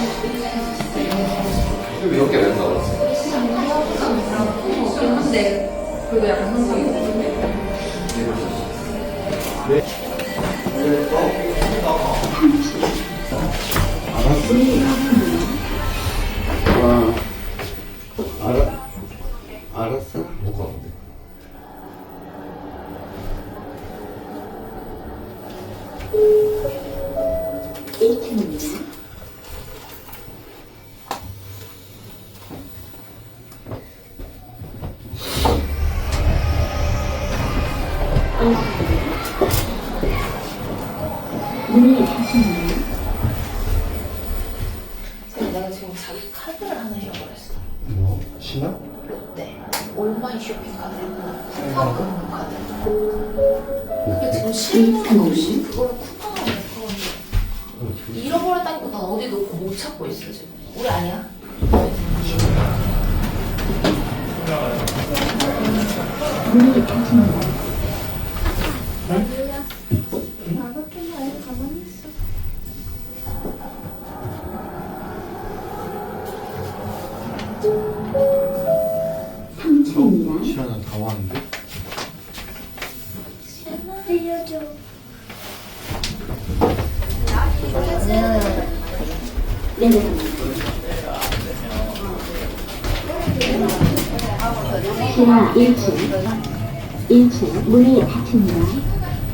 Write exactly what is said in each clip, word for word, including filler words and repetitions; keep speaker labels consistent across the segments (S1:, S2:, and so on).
S1: 몇 개 낸다고 그랬어?
S2: 한데 그리고 약간 상상이
S3: 와, 알아, 알았어?
S1: 못 가는데.
S4: 일 층입니다. 문이 닫힙니다.
S2: 내가 지금 자기 카드를 하나 잃어버렸어.
S1: 뭐? 신화?
S2: 롯데 온라인 쇼핑 카드 쿠팡 카드. 근데 지금 실물은 없이 그거를 쿠팡으로 냈거든요. 잃어버렸다니까 난 어디 놓고 못 찾고 있어 지금. 우리 아니야?
S4: 문이 닫힙니다. 삼 층입니다.
S1: 시간은 다 왔는데?
S4: 알려줘. 내려갑니다. 지하 일 층. 일 층 문이 닫힙니다.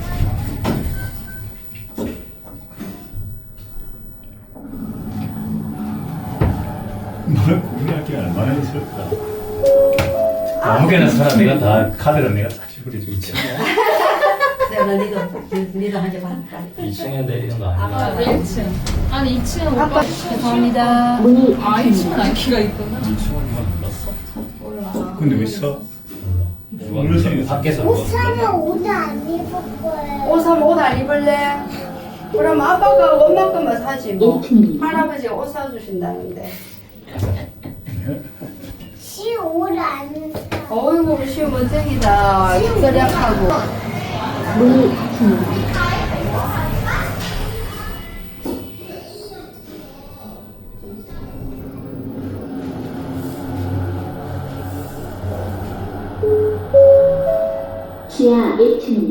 S5: 뭘 고민할 게 얼마나 있을까? 아무개나 사람 내가 다 카드를 내가 다 지불해주고 있잖아.
S6: 내가 니도 니도 한잔 받을까?
S5: 이 층에 내리는 거 아니야?
S2: 일 층. 아니 이 층은 오빠 죄송합니다.
S4: 문이
S2: 아 이 층은
S4: 닫힙니다.
S2: 안기가 있구나.
S5: 이 층은 누가 눌렀어?
S2: 몰라.
S5: 근데 왜 써? 누가 눌렀어? 밖에서
S7: 옷
S5: 누가
S7: 사면 옷 안 입을 거예요.
S6: 옷 사면 옷 안 입을래? 그럼 아빠가 원만큼만 사지 뭐.
S4: 일 층입니다.
S6: 할아버지가 옷 사주신다는데.
S7: 시 옷 안 사.
S6: 어이구 우리 시우 멋쟁이다. 절약하고.
S4: 문이 닫힙니다. 지하 일 층입니다.